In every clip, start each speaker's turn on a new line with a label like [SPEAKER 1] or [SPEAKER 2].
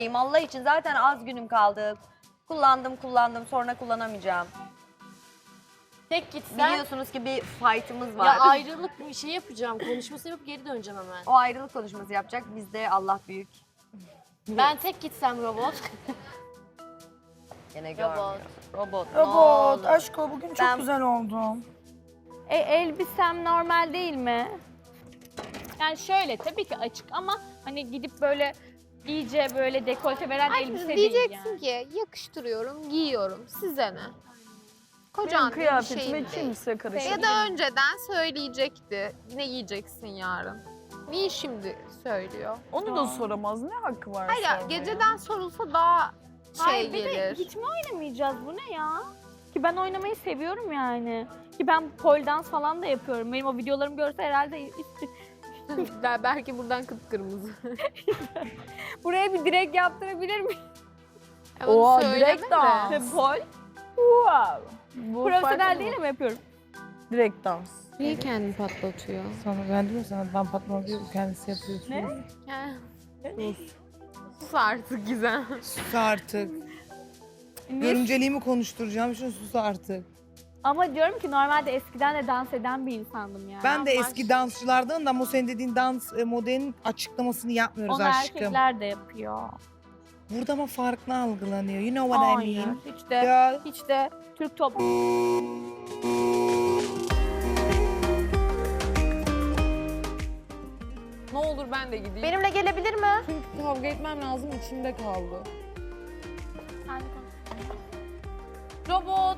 [SPEAKER 1] Allah için zaten az günüm kaldı. Kullandım sonra kullanamayacağım.
[SPEAKER 2] Tek gitsen
[SPEAKER 1] Biliyorsunuz ki bir fight'ımız var.
[SPEAKER 2] ya ayrılık bir şey yapacağım. Konuşması yapıp geri döneceğim hemen.
[SPEAKER 1] O ayrılık konuşması yapacak. Bizde Allah büyük.
[SPEAKER 2] Ben tek gitsem robot.
[SPEAKER 1] Gene
[SPEAKER 2] Robot.
[SPEAKER 1] görmüyor. Robot. ne
[SPEAKER 3] Robot,
[SPEAKER 1] oldu?
[SPEAKER 3] aşko bugün çok
[SPEAKER 1] Ben-
[SPEAKER 3] güzel oldum.
[SPEAKER 4] Elbisem normal değil mi? Yani şöyle tabii ki açık ama hani gidip böyle iyice böyle dekolte veren elbise değil
[SPEAKER 5] Diyeceksin
[SPEAKER 4] yani.
[SPEAKER 5] ki yakıştırıyorum, giyiyorum. Size ne?
[SPEAKER 3] Benim
[SPEAKER 5] Kocan diye bir
[SPEAKER 3] kıyafetime
[SPEAKER 5] şeyim değil.
[SPEAKER 3] kimse karışmıyor.
[SPEAKER 5] Ya da önceden söyleyecekti. Ne giyeceksin yarın? Niye şimdi söylüyor?
[SPEAKER 3] Onu da soramaz. Ne hakkı var
[SPEAKER 5] Hayır ya,
[SPEAKER 3] sormaya?
[SPEAKER 5] geceden sorulsa daha
[SPEAKER 4] Hayır bir de
[SPEAKER 5] gelir.
[SPEAKER 4] hiç mi oynamayacağız bu ne ya? Ki ben oynamayı seviyorum yani. Ki ben pole dance falan da yapıyorum. Benim o videolarımı görse herhalde
[SPEAKER 5] Belki buradan kıpkırmızı.
[SPEAKER 4] buraya bir direkt yaptırabilir miyim?
[SPEAKER 3] Oha,
[SPEAKER 5] Söyleme
[SPEAKER 3] direkt
[SPEAKER 5] de.
[SPEAKER 3] dans.
[SPEAKER 4] Pole.
[SPEAKER 3] Wow. Bu
[SPEAKER 4] Profesyonel
[SPEAKER 3] farklı
[SPEAKER 4] değil
[SPEAKER 3] mı?
[SPEAKER 4] ama yapıyorum.
[SPEAKER 3] Direkt dans.
[SPEAKER 5] Niye kendini patlatıyor?
[SPEAKER 6] Sana ben diyorum sana ben patlama diyor kendisi yapıyor.
[SPEAKER 4] Ne?
[SPEAKER 5] Sus artık Gizem.
[SPEAKER 6] Sus artık. Görümceliğimi konuşturacağım şunu sus artık.
[SPEAKER 4] Ama diyorum ki normalde eskiden de dans eden bir insandım yani.
[SPEAKER 6] Ben de eski dansçılardan da ama o senin dediğin dans modelinin açıklamasını yapmıyoruz
[SPEAKER 4] Onu
[SPEAKER 6] aşkım.
[SPEAKER 4] erkekler de yapıyor.
[SPEAKER 6] Burada ama farklı algılanıyor. You know what I
[SPEAKER 4] Hayır.
[SPEAKER 6] mean?
[SPEAKER 4] Hiç de,
[SPEAKER 6] Ya
[SPEAKER 4] hiç de Türk toplumu.
[SPEAKER 7] Ne olur ben de gideyim.
[SPEAKER 1] Benimle gelebilir mi?
[SPEAKER 7] Çünkü kavga etmem lazım içimde kaldı.
[SPEAKER 2] Robot.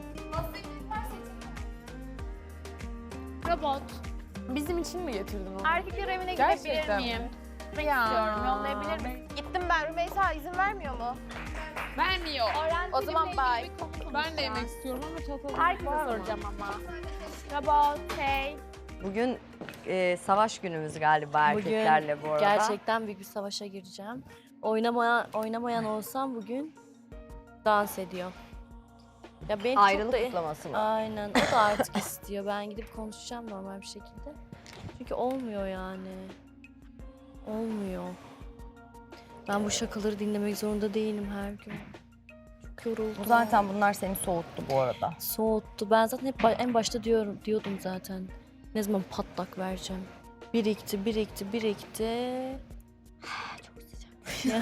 [SPEAKER 2] Robot.
[SPEAKER 7] Bizim için mi getirdin onu?
[SPEAKER 4] Erkekler evine
[SPEAKER 7] Gerçekten
[SPEAKER 4] gidebilir
[SPEAKER 7] mi?
[SPEAKER 4] miyim? Gitmek istiyorum. Yollayabilir miyim?
[SPEAKER 1] Gittim ben. Rümeysa izin vermiyor mu?
[SPEAKER 7] Vermiyor.
[SPEAKER 1] O zaman bye.
[SPEAKER 7] Ben de yemek istiyorum ama çatalım
[SPEAKER 4] Herkese
[SPEAKER 7] var mı?
[SPEAKER 4] soracağım ama. Robot, hey.
[SPEAKER 1] Bugün savaş günümüz galiba erkeklerle bu arada.
[SPEAKER 2] Gerçekten büyük bir savaşa gireceğim. Oynamayan olsam bugün dans ediyor. Ya ben
[SPEAKER 1] Ayrılık
[SPEAKER 2] çok da...
[SPEAKER 1] kutlaması mı?
[SPEAKER 2] Aynen. O da artık istiyor. Ben gidip konuşacağım normal bir şekilde. Çünkü olmuyor yani. Olmuyor. Ben bu şakaları dinlemek zorunda değilim her gün. Çok yoruldum.
[SPEAKER 1] Zaten bunlar seni soğuttu bu arada.
[SPEAKER 2] Soğuttu. Ben zaten hep en başta diyordum zaten. Ne zaman patlak vereceğim. Birikti. Çok sıcak.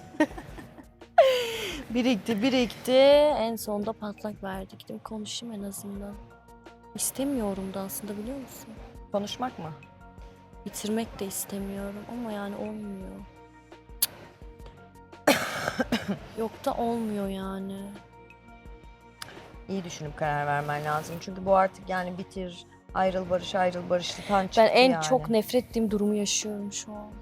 [SPEAKER 2] birikti. En sonunda patlak verdi. Gidip konuşayım en azından. İstemiyorum da aslında biliyor musun?
[SPEAKER 1] Konuşmak mı?
[SPEAKER 2] Bitirmek de istemiyorum ama yani olmuyor. Yok da olmuyor yani.
[SPEAKER 1] İyi düşünüp karar vermen lazım. Çünkü bu artık yani bitir, ayrıl barışlıktan çıktı
[SPEAKER 2] Ben en
[SPEAKER 1] yani.
[SPEAKER 2] çok nefret ettiğim durumu yaşıyorum şu an.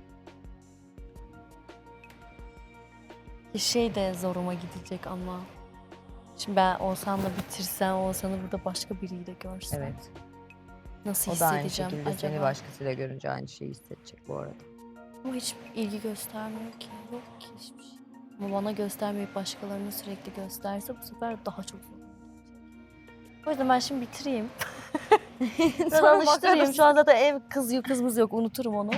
[SPEAKER 2] Şey de zoruma gidecek ama. Şimdi ben Oğuzhan'la bitirsem, Oğuzhan'ı burada başka biriyle görsem.
[SPEAKER 1] Evet.
[SPEAKER 2] Nasıl
[SPEAKER 1] O da aynı
[SPEAKER 2] hissedeceğim
[SPEAKER 1] şekilde
[SPEAKER 2] acaba?
[SPEAKER 1] seni başkasıyla görünce aynı şeyi hissedecek bu arada.
[SPEAKER 2] Ama hiç ilgi göstermiyor ki. Yok ki hiçbir şey. Ama bana göstermeyip başkalarına sürekli gösterse bu sefer daha çok zor. O yüzden ben şimdi bitireyim. Sonra alıştırayım. Şu an zaten ev kızımız yok. Unuturum onu.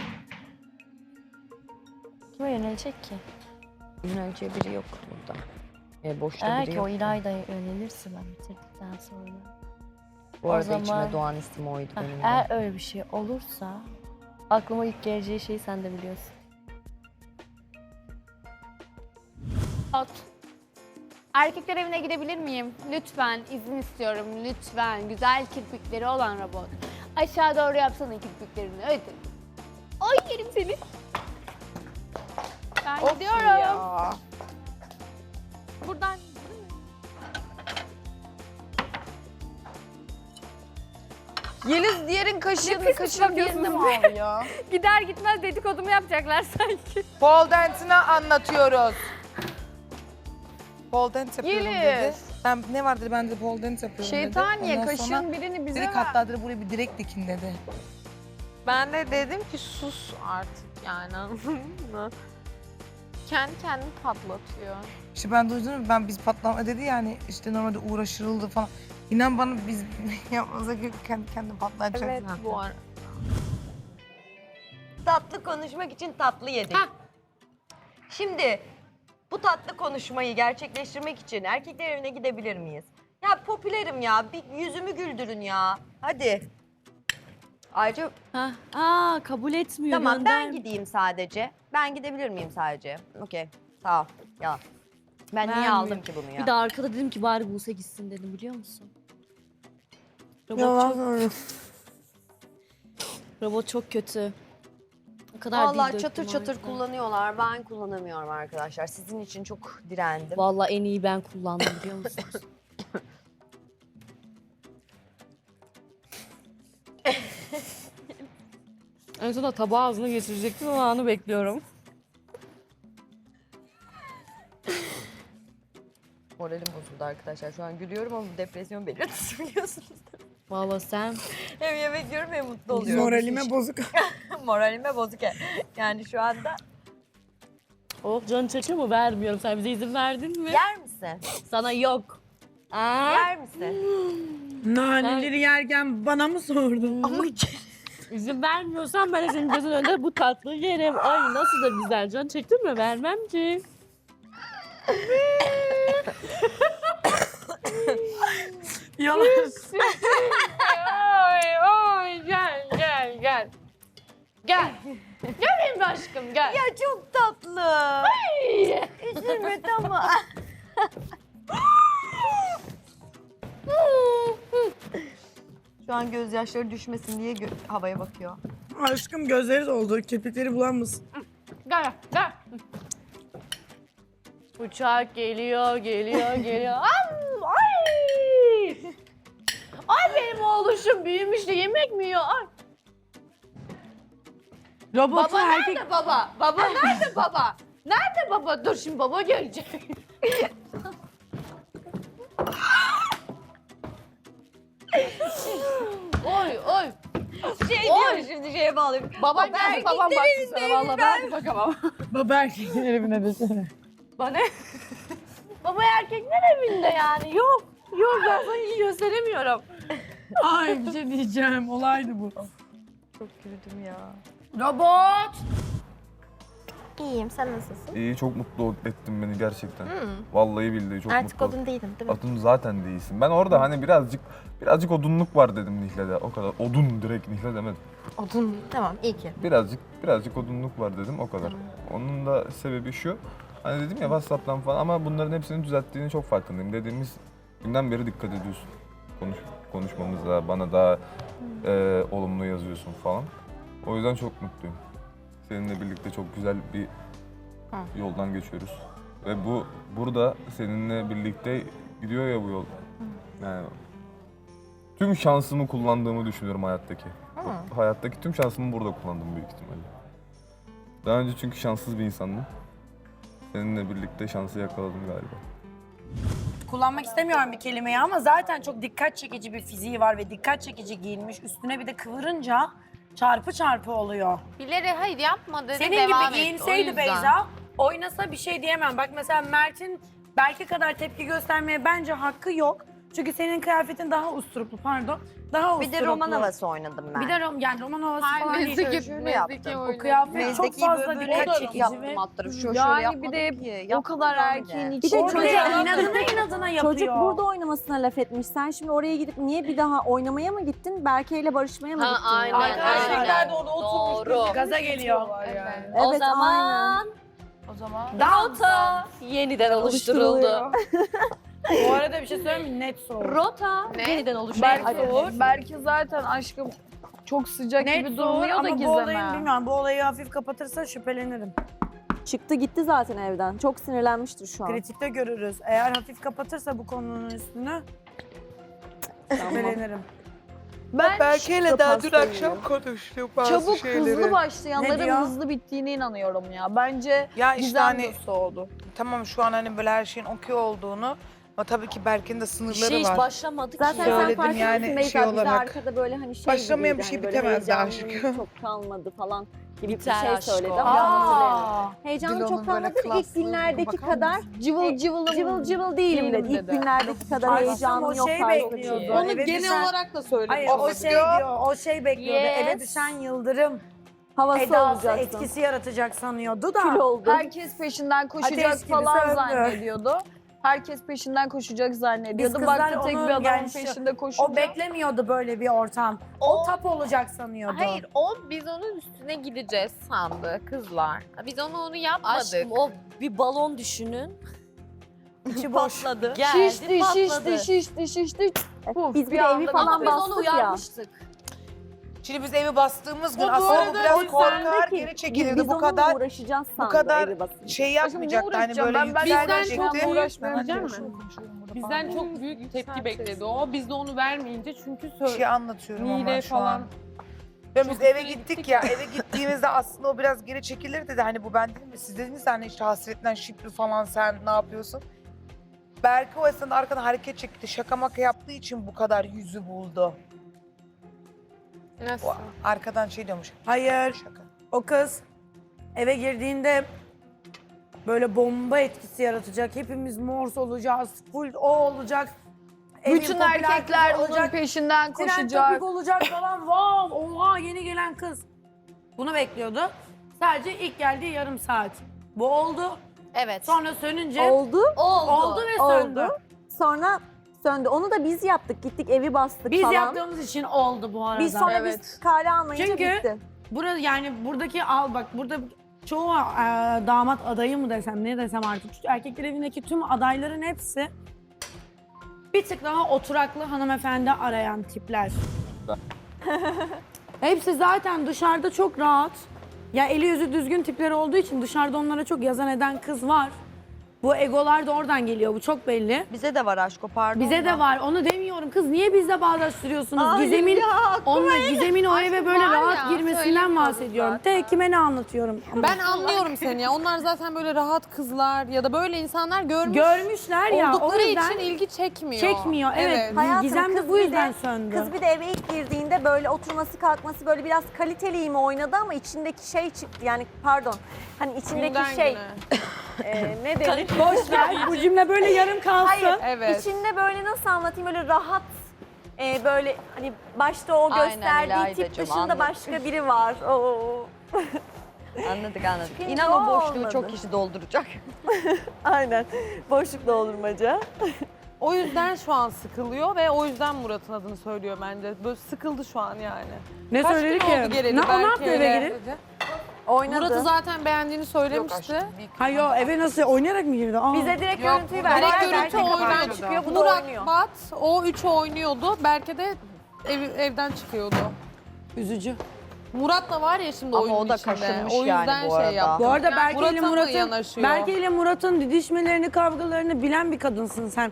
[SPEAKER 2] Kime yönelecek ki?
[SPEAKER 1] Yöneleceği biri yok burada. Boşta
[SPEAKER 2] Eğer
[SPEAKER 1] biri
[SPEAKER 2] ki
[SPEAKER 1] yok.
[SPEAKER 2] o İlayda'ya yönelirse ben bitirdikten sonra.
[SPEAKER 1] Bu
[SPEAKER 2] o
[SPEAKER 1] arada
[SPEAKER 2] zaman-
[SPEAKER 1] içime doğan istim oydu
[SPEAKER 2] Heh,
[SPEAKER 1] benim de.
[SPEAKER 2] eğer öyle bir şey olursa aklıma ilk geleceği şeyi sen de biliyorsun.
[SPEAKER 4] Erkekler evine gidebilir miyim? Lütfen izin istiyorum. Lütfen. Güzel kirpikleri olan robot. Aşağı doğru yapsana kirpiklerini. Hadi. Ay yerim seni. Ben gidiyorum. Buradan
[SPEAKER 7] Yeliz diğerin kaşığını
[SPEAKER 4] Nefis
[SPEAKER 7] kaşığın yerine mi
[SPEAKER 4] bakıyorsunuz.
[SPEAKER 7] alıyor?
[SPEAKER 4] gider gitmez dedikodumu yapacaklar sanki.
[SPEAKER 6] pole dance'ını anlatıyoruz. Pole dance yapıyorum dedi.
[SPEAKER 7] Yeliz.
[SPEAKER 6] Ben ne var dedi ben de pole dance yapıyorum dedi.
[SPEAKER 7] Şeytaniye
[SPEAKER 6] Ondan sonra
[SPEAKER 7] kaşığın birini bize
[SPEAKER 6] direkt
[SPEAKER 7] ver.
[SPEAKER 6] hatta dedi buraya bir direkt dikin dedi.
[SPEAKER 5] Ben de dedim ki sus artık yani anladın mı? Kendi kendini patlatıyor.
[SPEAKER 6] İşte ben duydum biz patlama dedi yani işte normalde uğraşıldı falan. İnan bana biz yapmasak kendi kendine patlayacak
[SPEAKER 5] Evet
[SPEAKER 6] zaten.
[SPEAKER 5] bu ara.
[SPEAKER 1] Tatlı konuşmak için tatlı yedik. Şimdi bu tatlı konuşmayı gerçekleştirmek için erkekler evine gidebilir miyiz? Ya popülerim ya. Bir yüzümü güldürün ya. Hadi. Ayrıca
[SPEAKER 2] Kabul etmiyor.
[SPEAKER 1] tamam ben
[SPEAKER 2] gönder.
[SPEAKER 1] gideyim sadece. Ben gidebilir miyim sadece? Okey. Sağ ol. Ya. Ben niye
[SPEAKER 2] Vermiyor.
[SPEAKER 1] aldım ki bunu ya?
[SPEAKER 2] Bir de arkada dedim ki bari Buse gitsin dedim biliyor musun?
[SPEAKER 6] Yalan
[SPEAKER 2] Robot, çok,
[SPEAKER 6] söylüyor.
[SPEAKER 2] robot çok kötü. O kadar dil
[SPEAKER 1] Vallahi
[SPEAKER 2] döktüm
[SPEAKER 1] çatır
[SPEAKER 2] o
[SPEAKER 1] çatır
[SPEAKER 2] yüzden.
[SPEAKER 1] kullanıyorlar. Ben kullanamıyorum arkadaşlar. Sizin için çok direndim.
[SPEAKER 2] Vallahi en iyi ben kullandım biliyor musunuz? En sonunda tabağı ağzına geçirecektim ama anı bekliyorum.
[SPEAKER 1] Moralim bozuldu arkadaşlar. Şu an gülüyorum ama bu depresyon belirtisi biliyorsunuz.
[SPEAKER 2] Vallahi sen
[SPEAKER 1] Hem yemek yiyorum hem mutlu oluyorum.
[SPEAKER 6] Moralime bozuk.
[SPEAKER 1] Moralime bozuk. Yani şu anda.
[SPEAKER 2] canı çekiyor mu? Vermiyorum. Sen bize izin verdin mi?
[SPEAKER 1] Yer misin?
[SPEAKER 2] Sana yok.
[SPEAKER 1] Yer misin?
[SPEAKER 6] Naneleri yerken bana mı sordun?
[SPEAKER 1] Ama
[SPEAKER 2] İzin vermiyorsan ben de senin gözün önünde bu tatlıyı yerim. Ay nasıl da güzel. Can çektin mi? Vermem ki.
[SPEAKER 6] Yalan.
[SPEAKER 7] Ay gel gel gel. Gel. Gel benim aşkım gel.
[SPEAKER 1] ya çok tatlı. Üzülme tamam. Şu an gözyaşları düşmesin diye havaya bakıyor.
[SPEAKER 6] Aşkım gözleri doldu. Kirpikleri bulanmasın.
[SPEAKER 7] Gel gel.
[SPEAKER 2] Uçak geliyor, geliyor.
[SPEAKER 7] Ay. Ay benim oğluşum büyümüş de yemek mi yiyor? Ay.
[SPEAKER 6] Robotu
[SPEAKER 7] Baba
[SPEAKER 6] erkek...
[SPEAKER 7] nerede baba? Baba nerede baba? Nerede baba? Dur şimdi baba gelecek. Oy oy.
[SPEAKER 1] Şey diyor şimdi şeye bağlayayım.
[SPEAKER 7] Babam geldi babam baktı sana valla ben bakamam.
[SPEAKER 6] Baba erkekler evine desene.
[SPEAKER 7] Bana baba erkekler evinde yani yok. Yok ben sana iyi gösteremiyorum.
[SPEAKER 6] Ay bir şey diyeceğim. Olaydı bu.
[SPEAKER 1] Çok güldüm ya.
[SPEAKER 6] Robot!
[SPEAKER 1] İyiyim sen nasılsın?
[SPEAKER 8] İyi, çok mutlu ettin beni gerçekten. Vallahi billahi çok
[SPEAKER 1] Artık
[SPEAKER 8] mutlu.
[SPEAKER 1] odun değilim değil mi?
[SPEAKER 8] Odun zaten değilsin. Ben orada hani birazcık odunluk var dedim Nihle'de. O kadar. Odun direkt Nihle demedim.
[SPEAKER 1] Odun tamam iyi ki.
[SPEAKER 8] Birazcık odunluk var dedim o kadar. Onun da sebebi şu. Hani dedim ya WhatsApp'tan falan ama bunların hepsini düzelttiğini çok farkındayım. Dediğimiz günden beri dikkat ediyorsun. Konuşmamıza, bana daha olumlu yazıyorsun falan. O yüzden çok mutluyum. Seninle birlikte çok güzel bir yoldan geçiyoruz. Ve burada seninle birlikte gidiyor ya bu yol. Yani tüm şansımı kullandığımı düşünüyorum hayattaki. Hayattaki tüm şansımı burada kullandım büyük ihtimalle. Daha önce çünkü şanssız bir insandım. Seninle birlikte şansı yakaladım galiba.
[SPEAKER 9] Kullanmak istemiyorum bir kelimeyi ama zaten çok dikkat çekici bir fiziği var ve dikkat çekici giyinmiş. Üstüne bir de kıvırınca çarpı çarpı oluyor.
[SPEAKER 5] Bilerek hayır yapma dedi
[SPEAKER 9] Senin
[SPEAKER 5] devam
[SPEAKER 9] gibi
[SPEAKER 5] etti, o
[SPEAKER 9] giyinseydi
[SPEAKER 5] yüzden.
[SPEAKER 9] Beyza, oynasa bir şey diyemem. Bak mesela Mert'in Berke kadar tepki göstermeye bence hakkı yok. Çünkü senin kıyafetin daha usturuplu, pardon. Daha
[SPEAKER 1] Bir
[SPEAKER 9] usturuplu.
[SPEAKER 1] de roman havası oynadım ben.
[SPEAKER 9] Bir de yani roman havası falan değil.
[SPEAKER 1] şöyle yaptım.
[SPEAKER 9] O kıyafet çok
[SPEAKER 1] Mezdeki
[SPEAKER 9] fazla
[SPEAKER 1] böyle
[SPEAKER 9] dikkat
[SPEAKER 1] çek
[SPEAKER 9] çekici
[SPEAKER 1] yaptım
[SPEAKER 9] ve...
[SPEAKER 1] hatta. Şöyle
[SPEAKER 3] Yani
[SPEAKER 1] yapmadım
[SPEAKER 3] bir de
[SPEAKER 1] ki.
[SPEAKER 3] o kadar erkeğin
[SPEAKER 1] öyle.
[SPEAKER 3] içi.
[SPEAKER 9] Bir de
[SPEAKER 3] Orada
[SPEAKER 9] çocuk inadına yapıyor.
[SPEAKER 10] Çocuk burada oynamasına laf etmiş. Sen şimdi oraya gidip niye bir daha oynamaya mı gittin? Berke ile barışmaya mı
[SPEAKER 2] Ha,
[SPEAKER 10] gittin?
[SPEAKER 2] aynen.
[SPEAKER 9] Arkadaşlar da orada oturmuş
[SPEAKER 2] Doğru.
[SPEAKER 9] gaza geliyor.
[SPEAKER 10] Evet,
[SPEAKER 2] o
[SPEAKER 10] aynen.
[SPEAKER 2] zaman
[SPEAKER 3] O zaman
[SPEAKER 2] rota yeniden oluşturuldu.
[SPEAKER 9] Bu arada bir şey söyleyeyim mi? Net soğuk.
[SPEAKER 2] Rota yeniden oluşturuldu.
[SPEAKER 3] Belki zaten aşkım çok sıcak
[SPEAKER 9] Net
[SPEAKER 3] gibi
[SPEAKER 9] soğuk
[SPEAKER 3] durmuyor da
[SPEAKER 9] ama bu olayı
[SPEAKER 3] Gizem'e.
[SPEAKER 9] bilmiyorum. Bu olayı hafif kapatırsa şüphelenirim.
[SPEAKER 10] Çıktı gitti zaten evden. Çok sinirlenmiştir şu an.
[SPEAKER 9] Kritikte görürüz. Eğer hafif kapatırsa bu konunun üstünü şüphelenirim.
[SPEAKER 3] Ben
[SPEAKER 6] Berke'yle daha dün akşam konuştuk bazı
[SPEAKER 3] çabuk
[SPEAKER 6] şeyleri.
[SPEAKER 3] hızlı
[SPEAKER 9] Ne
[SPEAKER 3] başlayanların
[SPEAKER 9] diyor?
[SPEAKER 3] hızlı bittiğine inanıyorum ya. Bence
[SPEAKER 6] Ya işte
[SPEAKER 3] Gizem
[SPEAKER 6] hani
[SPEAKER 3] de soğudu.
[SPEAKER 6] tamam şu an hani böyle her şeyin okey olduğunu ama tabii ki Berke'nin de sınırları
[SPEAKER 2] Şey hiç
[SPEAKER 6] var.
[SPEAKER 2] başlamadık
[SPEAKER 10] Zaten
[SPEAKER 2] ki.
[SPEAKER 10] sen
[SPEAKER 6] Söyledim
[SPEAKER 10] farkında
[SPEAKER 6] yani
[SPEAKER 10] mısın Beyza?
[SPEAKER 6] şey
[SPEAKER 10] Bize
[SPEAKER 6] olarak.
[SPEAKER 10] arkada böyle hani şey
[SPEAKER 6] Başlamayan bir
[SPEAKER 10] gibiydi,
[SPEAKER 6] şey
[SPEAKER 10] hani böyle
[SPEAKER 6] bitemezdi
[SPEAKER 10] heyecanlıyım,
[SPEAKER 6] aşkım.
[SPEAKER 10] çok kalmadı falan gibi
[SPEAKER 2] Biter
[SPEAKER 10] bir şey
[SPEAKER 2] aşk
[SPEAKER 10] söyledi
[SPEAKER 2] o.
[SPEAKER 10] ama hatırlayamadım. Heyecanlı
[SPEAKER 6] Dilo'nun
[SPEAKER 10] çok
[SPEAKER 6] böyle
[SPEAKER 10] kalmadı. İlk
[SPEAKER 6] klaslığına
[SPEAKER 10] günlerdeki
[SPEAKER 6] bakar
[SPEAKER 10] kadar
[SPEAKER 6] mısın?
[SPEAKER 3] Cıvıl cıvılım.
[SPEAKER 10] cıvıl cıvıl değilim dedi. İlk günlerdeki kadar
[SPEAKER 9] Aşkım,
[SPEAKER 10] heyecanım
[SPEAKER 9] o
[SPEAKER 10] yok
[SPEAKER 9] şey
[SPEAKER 10] tarzı bir
[SPEAKER 9] bekliyordu.
[SPEAKER 10] şey.
[SPEAKER 9] Onu genel olarak
[SPEAKER 6] da söylemiş
[SPEAKER 9] Hayır o şey diyor, o şey bekliyordu.
[SPEAKER 2] Yes.
[SPEAKER 9] Eve düşen yıldırım.
[SPEAKER 10] Havası
[SPEAKER 9] edası,
[SPEAKER 10] olacaksın.
[SPEAKER 9] etkisi yaratacak sanıyordu da.
[SPEAKER 10] Kül oldu.
[SPEAKER 3] Herkes peşinden koşacak
[SPEAKER 9] Ateş gibi
[SPEAKER 3] falan
[SPEAKER 9] söndü.
[SPEAKER 3] zannediyordu. Herkes peşinden koşacak
[SPEAKER 9] Biz
[SPEAKER 3] zannediyordu.
[SPEAKER 9] kızlar
[SPEAKER 3] Baktı tek bir
[SPEAKER 9] onun
[SPEAKER 3] adamın
[SPEAKER 9] yani
[SPEAKER 3] peşinde koşunca.
[SPEAKER 9] o beklemiyordu böyle bir ortam. O tap olacak sanıyordu.
[SPEAKER 5] Hayır, biz onun üstüne gideceğiz sandı kızlar. Biz onu yapmadık.
[SPEAKER 2] Aşkım o bir balon düşünün.
[SPEAKER 9] İçi boş.
[SPEAKER 2] Patladı. Geldi patladı.
[SPEAKER 3] şişti. Puf,
[SPEAKER 10] Biz bir
[SPEAKER 3] bir
[SPEAKER 10] de
[SPEAKER 3] anda
[SPEAKER 10] evi
[SPEAKER 2] Ama
[SPEAKER 10] falan
[SPEAKER 2] biz onu
[SPEAKER 10] bastık ya.
[SPEAKER 2] uyarmıştık.
[SPEAKER 6] Şimdi biz evi bastığımız gün
[SPEAKER 9] O bu
[SPEAKER 6] aslında bu
[SPEAKER 9] arada
[SPEAKER 6] biraz
[SPEAKER 9] biz
[SPEAKER 6] korkar,
[SPEAKER 10] Sendeki,
[SPEAKER 6] geri çekilirdi.
[SPEAKER 10] biz
[SPEAKER 6] Bu
[SPEAKER 10] onunla
[SPEAKER 6] kadar
[SPEAKER 10] uğraşacağız
[SPEAKER 6] bu
[SPEAKER 10] sandı
[SPEAKER 6] kadar
[SPEAKER 10] evi basınca.
[SPEAKER 6] şey
[SPEAKER 3] Aşkım ne
[SPEAKER 6] yapmayacaktı. Hani
[SPEAKER 3] uğraşacağım?
[SPEAKER 6] böyle
[SPEAKER 3] Ben
[SPEAKER 5] Bizden
[SPEAKER 6] yükselecekti.
[SPEAKER 5] çok
[SPEAKER 3] uğraşmayacağım mı?
[SPEAKER 11] Bizden çok büyük tepki bekledi o. Biz de onu vermeyince çünkü
[SPEAKER 6] Bir şey anlatıyorum ama
[SPEAKER 11] Mide
[SPEAKER 6] şu
[SPEAKER 11] falan.
[SPEAKER 6] an. Ya biz
[SPEAKER 11] Çok
[SPEAKER 6] eve
[SPEAKER 11] üstüne
[SPEAKER 6] gittik
[SPEAKER 11] gittik
[SPEAKER 6] ya, eve gittiğimizde aslında o biraz geri çekilir dedi. Hani bu ben dedim mi? Siz dediniz ya hani işte hasretten şipli falan sen ne yapıyorsun? Berke o esnada arkadan hareket çekti. Şaka maka yaptığı için bu kadar yüzü buldu.
[SPEAKER 5] Nasıl?
[SPEAKER 6] O arkadan şey diyormuş.
[SPEAKER 9] Hayır.
[SPEAKER 6] Şaka.
[SPEAKER 9] O kız eve girdiğinde böyle bomba etkisi yaratacak. Hepimiz mors olacağız. Full o olacak. Evin
[SPEAKER 3] Bütün
[SPEAKER 9] popüler
[SPEAKER 3] erkekler
[SPEAKER 9] kızı
[SPEAKER 3] onun
[SPEAKER 9] olacak.
[SPEAKER 3] peşinden
[SPEAKER 9] Tren
[SPEAKER 3] koşacak.
[SPEAKER 9] topik olacak falan. Wow, oha yeni gelen kız. Bunu bekliyordu. Sadece ilk geldiği yarım saat. Bu oldu.
[SPEAKER 2] Evet.
[SPEAKER 9] Sonra sönünce
[SPEAKER 10] Oldu.
[SPEAKER 9] oldu ve söndü.
[SPEAKER 10] Oldu. Sonra söndü. Onu da biz yaptık. Gittik evi bastık
[SPEAKER 9] Biz
[SPEAKER 10] falan.
[SPEAKER 9] yaptığımız için oldu bu arada.
[SPEAKER 10] Biz sonra
[SPEAKER 3] Evet.
[SPEAKER 10] biz kare almayınca
[SPEAKER 9] Çünkü-
[SPEAKER 10] bitti.
[SPEAKER 9] Burada yani buradaki burada çoğu damat adayı mı desem ne desem artık erkekler evindeki tüm adayların hepsi bir tık daha oturaklı hanımefendi arayan tipler. Hepsi zaten dışarıda çok rahat. Ya eli yüzü düzgün tipler olduğu için dışarıda onlara çok yazan eden kız var. Bu egolar da oradan geliyor. Bu çok belli.
[SPEAKER 1] Bize de var aşko pardon.
[SPEAKER 9] Bize
[SPEAKER 1] da.
[SPEAKER 9] de var. Onu demiyorum. Kız niye bizle bağdaştırıyorsunuz?
[SPEAKER 1] Hayır
[SPEAKER 9] Gizem'in
[SPEAKER 1] ya,
[SPEAKER 9] Gizem'in o eve böyle
[SPEAKER 5] var
[SPEAKER 9] rahat
[SPEAKER 5] ya,
[SPEAKER 9] girmesinden
[SPEAKER 5] söylemiyoruz
[SPEAKER 9] bahsediyorum.
[SPEAKER 5] zaten.
[SPEAKER 9] Kime ne anlatıyorum?
[SPEAKER 11] Ben anlıyorum seni ya. Onlar zaten böyle rahat kızlar ya da böyle insanlar
[SPEAKER 9] Görmüşler ya. O
[SPEAKER 11] oldukları
[SPEAKER 9] yüzden
[SPEAKER 11] için ilgi çekmiyor.
[SPEAKER 9] çekmiyor. Evet.
[SPEAKER 10] Hayatım,
[SPEAKER 9] Gizem
[SPEAKER 10] kız
[SPEAKER 9] de bu
[SPEAKER 10] bir
[SPEAKER 9] yüzden
[SPEAKER 10] de-
[SPEAKER 9] söndü.
[SPEAKER 10] Kız bir de eve ilk girdiğinde böyle oturması kalkması böyle biraz kaliteli mi oynadı ama içindeki şey çıktı. Yani pardon. Hani içindeki
[SPEAKER 11] Günden
[SPEAKER 10] şey
[SPEAKER 11] güne.
[SPEAKER 10] ne denir?
[SPEAKER 9] Boş ver. Bu cümle böyle yarım kalsın.
[SPEAKER 10] Hayır.
[SPEAKER 11] Evet.
[SPEAKER 10] İçinde böyle nasıl anlatayım böyle rahat böyle hani başta o
[SPEAKER 1] Aynen
[SPEAKER 10] gösterdiği tip
[SPEAKER 1] İlaydacığım,
[SPEAKER 10] dışında
[SPEAKER 1] anladım.
[SPEAKER 10] başka biri var. Oo.
[SPEAKER 1] Anladık anladık.
[SPEAKER 10] Çıkınca
[SPEAKER 1] İnan o boşluğu
[SPEAKER 10] olmadı.
[SPEAKER 1] çok kişi dolduracak.
[SPEAKER 10] Aynen. Boşluk doldurmaca.
[SPEAKER 11] O yüzden şu an sıkılıyor ve o yüzden Murat'ın adını söylüyor bence. Böyle sıkıldı şu an yani.
[SPEAKER 9] Ne
[SPEAKER 11] Kaç
[SPEAKER 9] söyledi
[SPEAKER 11] gün
[SPEAKER 9] ki?
[SPEAKER 11] oldu geleli
[SPEAKER 9] Ne, o ne yaptı
[SPEAKER 11] Berke'yle?
[SPEAKER 9] eve girip?
[SPEAKER 10] Oynadı.
[SPEAKER 11] Murat'ı zaten beğendiğini söylemişti.
[SPEAKER 9] Hayır o eve nasıl oynayarak mı girdi? Aa.
[SPEAKER 10] Bize direkt
[SPEAKER 11] Yok,
[SPEAKER 10] görüntüyü
[SPEAKER 11] direkt
[SPEAKER 10] verdiler.
[SPEAKER 11] görüntü
[SPEAKER 10] Berke
[SPEAKER 11] oyundan
[SPEAKER 10] kapıdan çıkıyor. Bu da
[SPEAKER 11] Murat,
[SPEAKER 10] oynuyor.
[SPEAKER 11] Bat, o üçü oynuyordu. Berke de evden çıkıyordu.
[SPEAKER 9] Üzücü.
[SPEAKER 11] Murat da var ya şimdi
[SPEAKER 1] Ama
[SPEAKER 11] oyunun
[SPEAKER 1] o da
[SPEAKER 11] içinde.
[SPEAKER 1] kaşınmış
[SPEAKER 11] O yüzden
[SPEAKER 1] yani bu arada.
[SPEAKER 11] şey yaptı.
[SPEAKER 9] Bu arada Berke ile
[SPEAKER 11] Murat'a mı
[SPEAKER 9] Murat'ın
[SPEAKER 11] yanaşıyor?
[SPEAKER 9] didişmelerini, kavgalarını bilen bir kadınsın sen.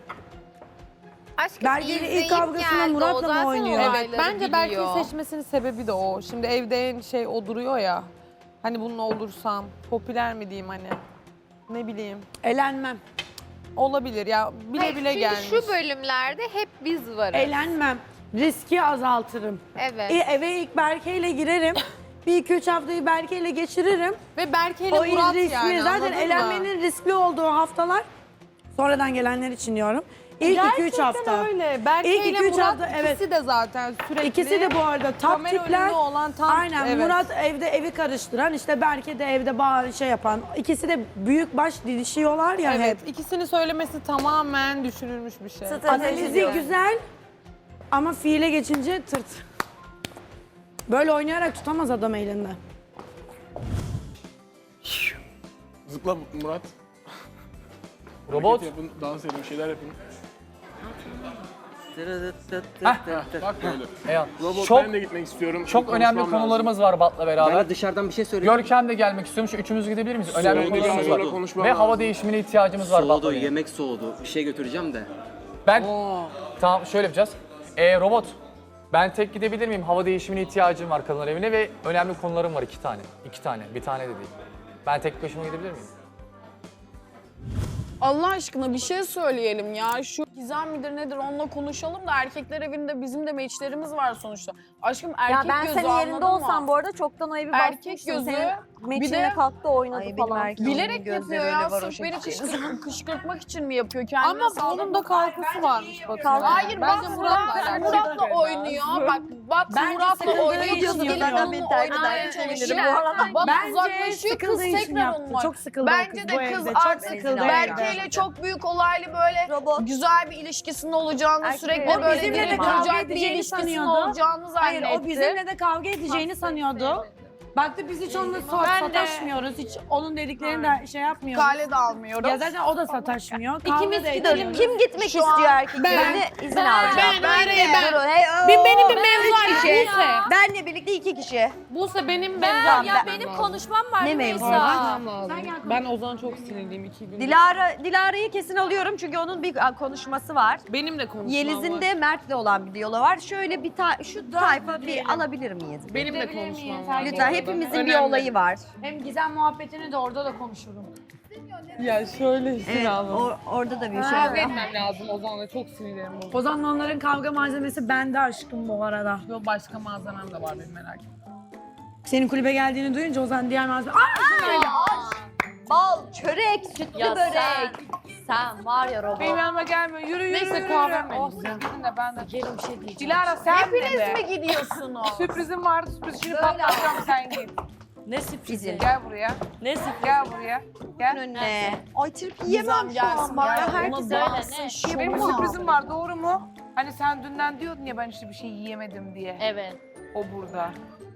[SPEAKER 5] Aşkım
[SPEAKER 9] Berke'yle ilk
[SPEAKER 5] izleyip
[SPEAKER 9] kavgasında
[SPEAKER 5] geldi,
[SPEAKER 9] Murat'la
[SPEAKER 5] o
[SPEAKER 9] mı
[SPEAKER 5] zaten
[SPEAKER 9] oynuyor?
[SPEAKER 11] Evet,
[SPEAKER 5] olayları
[SPEAKER 11] bence Berke'yi
[SPEAKER 5] biliyor.
[SPEAKER 11] seçmesinin sebebi de o. Şimdi evde en şey o duruyor ya. Hani bununla olursam popüler mi diyeyim hani. Ne bileyim.
[SPEAKER 9] Elenmem.
[SPEAKER 11] Olabilir ya. Bile
[SPEAKER 5] Hayır,
[SPEAKER 11] bile
[SPEAKER 5] çünkü
[SPEAKER 11] gelmiş.
[SPEAKER 5] şu bölümlerde hep biz varız.
[SPEAKER 9] Elenmem. Riski azaltırım.
[SPEAKER 5] Evet.
[SPEAKER 9] Eve ilk Berke ile girerim. Bir iki üç haftayı Berke ile geçiririm.
[SPEAKER 11] Ve Berke ile
[SPEAKER 9] O
[SPEAKER 11] Murat
[SPEAKER 9] riskli.
[SPEAKER 11] yani
[SPEAKER 9] Zaten
[SPEAKER 11] anladın mı?
[SPEAKER 9] elenmenin riskli olduğu haftalar sonradan gelenler için diyorum. İlk 2-3 hafta.
[SPEAKER 11] Öyle. Berke
[SPEAKER 9] İlk
[SPEAKER 11] ile
[SPEAKER 9] 2-3
[SPEAKER 11] Murat
[SPEAKER 9] hafta, evet.
[SPEAKER 11] ikisi de zaten sürekli.
[SPEAKER 9] İkisi de bu arada top
[SPEAKER 11] kamera
[SPEAKER 9] tipler.
[SPEAKER 11] önünde olan tam.
[SPEAKER 9] Aynen
[SPEAKER 11] evet.
[SPEAKER 9] Murat evde evi karıştıran işte Berke de evde bağır şey yapan. İkisi de büyük baş didişiyorlar ya
[SPEAKER 11] Evet.
[SPEAKER 9] hep.
[SPEAKER 11] İkisini söylemesi tamamen düşünülmüş bir şey.
[SPEAKER 9] Analizi güzel ama fiile geçince tırt. Böyle oynayarak tutamaz adam elinde.
[SPEAKER 12] Zıpla Murat.
[SPEAKER 13] Robot.
[SPEAKER 12] Hareket yapın, dans edin, bir şeyler yapın. Bak böyle.
[SPEAKER 13] Eyvallah.
[SPEAKER 12] Robot
[SPEAKER 13] Çok
[SPEAKER 12] ben de gitmek istiyorum.
[SPEAKER 13] çok önemli
[SPEAKER 12] Konuşmam
[SPEAKER 13] konularımız var Bat'la beraber.
[SPEAKER 14] Ben de dışarıdan bir şey söyleyeyim.
[SPEAKER 13] Görkem de gelmek istiyormuş. Üçümüz gidebilir miyiz? Önemli
[SPEAKER 12] Söyledi,
[SPEAKER 13] konularımız
[SPEAKER 12] sonra
[SPEAKER 13] var.
[SPEAKER 12] konuşmam
[SPEAKER 13] Ve hava
[SPEAKER 12] lazım.
[SPEAKER 13] değişimine ihtiyacımız var Bat'la
[SPEAKER 14] Soğudu,
[SPEAKER 13] benim.
[SPEAKER 14] yemek soğudu. Bir şey götüreceğim de.
[SPEAKER 13] Ben tamam şöyle yapacağız. Robot ben tek gidebilir miyim? Hava değişimine ihtiyacım var kadınlar evine ve önemli konularım var 2 tane. 2 tane. Bir tane de değil. Ben tek başıma gidebilir miyim?
[SPEAKER 3] Allah aşkına bir şey söyleyelim ya. Şu Gizem midir nedir onunla konuşalım da erkekler evinde bizim de meçlerimiz var sonuçta. Aşkım
[SPEAKER 10] Ya
[SPEAKER 3] erkek
[SPEAKER 10] ben
[SPEAKER 3] gözü
[SPEAKER 10] senin yerinde
[SPEAKER 3] anladın mı?
[SPEAKER 10] olsam bu arada çoktan o evi
[SPEAKER 3] Erkek
[SPEAKER 10] basmıştım.
[SPEAKER 3] gözü,
[SPEAKER 10] Senin
[SPEAKER 3] bir
[SPEAKER 10] meçinle
[SPEAKER 3] de-
[SPEAKER 10] kalktı oynadı
[SPEAKER 1] Ay, benim
[SPEAKER 10] falan.
[SPEAKER 1] erkeğim.
[SPEAKER 3] Bilerek
[SPEAKER 1] Gözleri
[SPEAKER 3] yapıyor ya.
[SPEAKER 1] öyle var o
[SPEAKER 3] Sırf beni
[SPEAKER 1] şekilde.
[SPEAKER 3] kışkırtmak için mi yapıyor? Kendine
[SPEAKER 11] Ama
[SPEAKER 3] sağlık.
[SPEAKER 11] bunun da kalkası varmış Batu.
[SPEAKER 3] Hayır bak
[SPEAKER 11] Bence Murat'la
[SPEAKER 3] Murat'la oynuyor. Bak
[SPEAKER 9] Bence
[SPEAKER 3] Murat'la
[SPEAKER 9] sıkıldığı
[SPEAKER 3] oynuyor.
[SPEAKER 9] için
[SPEAKER 3] Kız
[SPEAKER 9] yapıyor.
[SPEAKER 3] gelip
[SPEAKER 1] Ben
[SPEAKER 3] onunla
[SPEAKER 1] beni terk
[SPEAKER 3] oynamaya
[SPEAKER 1] ederken
[SPEAKER 3] çalışıyor.
[SPEAKER 1] sevinirim bu arada.
[SPEAKER 3] Bana
[SPEAKER 9] Bence
[SPEAKER 3] uzaklaşıyor kız
[SPEAKER 9] sıkıldığı için
[SPEAKER 3] tekrar
[SPEAKER 9] yaptı.
[SPEAKER 3] onunla.
[SPEAKER 9] Çok sıkıldı
[SPEAKER 3] Bence
[SPEAKER 9] kız bu
[SPEAKER 3] de kız
[SPEAKER 9] evde. Çok
[SPEAKER 3] artık
[SPEAKER 9] sıkıldı
[SPEAKER 3] Berke
[SPEAKER 9] evde.
[SPEAKER 3] ile çok büyük olaylı böyle
[SPEAKER 1] Robot.
[SPEAKER 3] güzel bir ilişkisinin olacağını
[SPEAKER 1] Erkek
[SPEAKER 3] sürekli
[SPEAKER 1] robot.
[SPEAKER 3] böyle
[SPEAKER 9] Bizimle de
[SPEAKER 3] gelip
[SPEAKER 9] kavga
[SPEAKER 3] duracak bir
[SPEAKER 9] edeceğini
[SPEAKER 3] ilişkisinin
[SPEAKER 9] sanıyordu.
[SPEAKER 3] olacağını
[SPEAKER 9] Hayır
[SPEAKER 3] zannetti.
[SPEAKER 9] o bizimle de kavga edeceğini sanıyordu. Baktı biz hiç onunla sataşmıyoruz. Hiç onun dediklerini de şey yapmıyoruz.
[SPEAKER 3] Kale de almıyoruz.
[SPEAKER 9] Ya zaten o da sataşmıyor. Kavga
[SPEAKER 1] İkimiz
[SPEAKER 9] da
[SPEAKER 1] gidelim.
[SPEAKER 9] ediyoruz.
[SPEAKER 1] Kim gitmek istiyor erkeklerine izin alacağım.
[SPEAKER 3] Benim bir mevzu
[SPEAKER 1] kişi. Benle birlikte 2 kişi.
[SPEAKER 11] Buse benim
[SPEAKER 2] Benim konuşmam var.
[SPEAKER 1] Ne mevzu?
[SPEAKER 11] Ben Ozan'a çok sinirliyim 2 gün.
[SPEAKER 1] Dilara'yı kesin alıyorum çünkü onun bir konuşması var.
[SPEAKER 11] Benim de konuşmam
[SPEAKER 1] Yeliz'in
[SPEAKER 11] var.
[SPEAKER 1] de Mert'le olan bir diyaloğu var. Şöyle bir şu tayfa bir alabilir miyiz?
[SPEAKER 11] Benim de
[SPEAKER 9] Gidebilir
[SPEAKER 11] konuşmam
[SPEAKER 9] miyim?
[SPEAKER 11] var. bu
[SPEAKER 1] Lütfen
[SPEAKER 11] arada.
[SPEAKER 1] hepimizin bir
[SPEAKER 11] Önemli.
[SPEAKER 1] olayı var.
[SPEAKER 9] Hem Gizem muhabbetini de orada da konuşurum.
[SPEAKER 11] Ya şöyle
[SPEAKER 1] Evet, orada da bir şey
[SPEAKER 11] Kavga
[SPEAKER 1] var.
[SPEAKER 11] etmem lazım Ozan'la çok sinirlerim bozuldu.
[SPEAKER 9] Ozan'la onların kavga malzemesi bende aşkım bu arada.
[SPEAKER 11] Yok başka malzemem de var benim merak etme.
[SPEAKER 9] Senin kulübe geldiğini duyunca Ozan diğer malzeme...
[SPEAKER 1] Bal, çörek, sütlü
[SPEAKER 2] Ya
[SPEAKER 1] börek.
[SPEAKER 2] sen var ya robot.
[SPEAKER 11] Benim yanıma gelmiyor. Yürü. Neyse kahvem benim. Siz gidin de ben de.
[SPEAKER 9] Gelin bir şey diyeceğim.
[SPEAKER 11] Dilara sen
[SPEAKER 3] Hepiniz
[SPEAKER 11] de.
[SPEAKER 3] mi gidiyorsunuz?
[SPEAKER 11] Sürprizim vardı. Sürpriz şimdi patlatacağım sen git.
[SPEAKER 9] Ne sürprizi?
[SPEAKER 11] Gel buraya.
[SPEAKER 9] Ne sürprizi?
[SPEAKER 11] Gel buraya. Gel.
[SPEAKER 1] Önüne. Ay trip yiyemem şu
[SPEAKER 3] gelsin
[SPEAKER 1] an. Bana
[SPEAKER 3] ya.
[SPEAKER 1] herkes
[SPEAKER 2] Söyle ne?
[SPEAKER 11] Benim sürprizim var doğru mu? Hani sen dünden diyordun ya ben işte bir şey yiyemedim diye.
[SPEAKER 2] Evet.
[SPEAKER 11] O burada.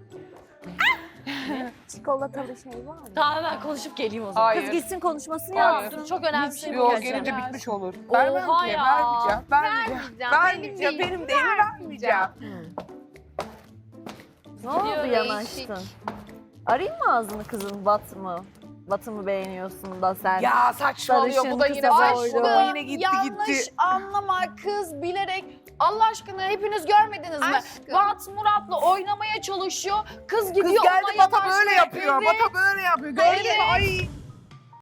[SPEAKER 10] Çikolatalı şey var mı?
[SPEAKER 2] Tamam ben konuşup geleyim o zaman.
[SPEAKER 11] Hayır.
[SPEAKER 10] Kız gitsin konuşmasını
[SPEAKER 11] Hayır.
[SPEAKER 10] yapsın.
[SPEAKER 2] Çok önemli bir şey
[SPEAKER 11] Yok
[SPEAKER 2] geleceğim.
[SPEAKER 11] gelince bitmiş olur.
[SPEAKER 2] Oha
[SPEAKER 11] Vermem ki.
[SPEAKER 2] ya.
[SPEAKER 11] Vermeyeceğim. Benim değil vermeyeceğim.
[SPEAKER 10] Ne oldu
[SPEAKER 2] Gidiyor,
[SPEAKER 10] yanaştın? Arayayım mı ağzını kızın Bat mı? Bat'ı mı beğeniyorsun da sen?
[SPEAKER 11] Ya saçmalıyor bu da
[SPEAKER 10] Sarışın,
[SPEAKER 11] yine
[SPEAKER 10] kısa
[SPEAKER 11] boş.
[SPEAKER 10] boylu.
[SPEAKER 11] Bu da yine gitti
[SPEAKER 3] Yanlış
[SPEAKER 11] gitti.
[SPEAKER 3] anlama kız bilerek. Allah aşkına hepiniz görmediniz mi? Bat Murat'la oynamaya çalışıyor. Kız gidiyor
[SPEAKER 11] Kız geldi
[SPEAKER 3] ona
[SPEAKER 11] Bata böyle
[SPEAKER 3] yanaşmaya.
[SPEAKER 11] yapıyor.
[SPEAKER 3] Evet.
[SPEAKER 11] Bata böyle yapıyor. Gördün mü? Ay.